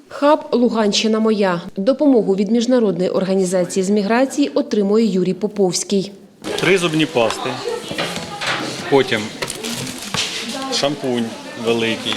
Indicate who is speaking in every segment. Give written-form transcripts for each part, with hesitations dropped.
Speaker 1: Хаб «Луганщина моя». Допомогу від Міжнародної організації з міграції отримує Юрій Поповський.
Speaker 2: 3 зубні пасти, потім шампунь великий,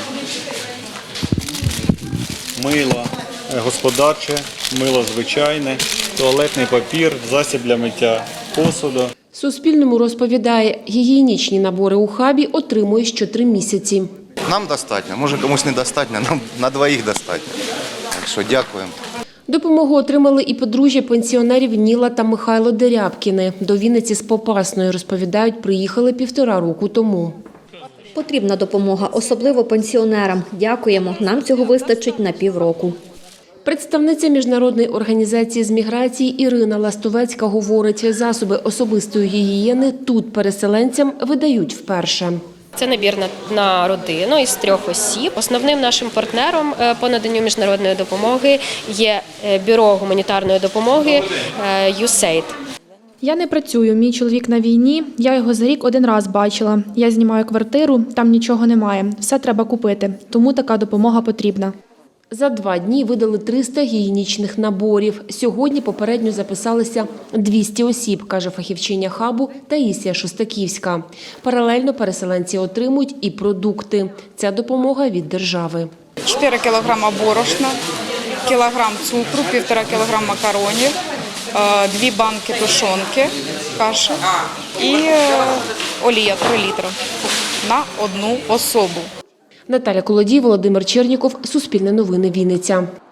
Speaker 2: мило господарче, мило звичайне, туалетний папір, засіб для миття посуду.
Speaker 1: Суспільному розповідає, гігієнічні набори у хабі отримує що 3 місяці.
Speaker 3: Нам достатньо, може комусь недостатньо, нам на двоїх достатньо. Так що дякуємо.
Speaker 1: Допомогу отримали і подружжя пенсіонерів Ніла та Михайло Дерябкіни. До Вінниці з Попасної, розповідають, приїхали 1,5 року тому.
Speaker 4: Потрібна допомога, особливо пенсіонерам. Дякуємо, нам цього вистачить на півроку.
Speaker 1: Представниця Міжнародної організації з міграції Ірина Ластовецька говорить, засоби особистої гігієни тут переселенцям видають вперше.
Speaker 5: Це набір на родину із 3 осіб. Основним нашим партнером по наданню міжнародної допомоги є бюро гуманітарної допомоги USAID.
Speaker 6: Я не працюю, мій чоловік на війні, я його за рік 1 раз бачила. Я знімаю квартиру, там нічого немає, все треба купити, тому така допомога потрібна.
Speaker 1: За 2 дні видали 300 гігієнічних наборів. Сьогодні попередньо записалися 200 осіб, каже фахівчиня хабу Таїсія Шостаківська. Паралельно переселенці отримують і продукти. Ця допомога від держави.
Speaker 7: 4 кілограма борошна, кілограм цукру, 1,5 кілограма макаронів, 2 банки тушонки, каші і олія 3 літри на 1 особу.
Speaker 1: Наталя Колодій, Володимир Черніков, Суспільне новини, Вінниця.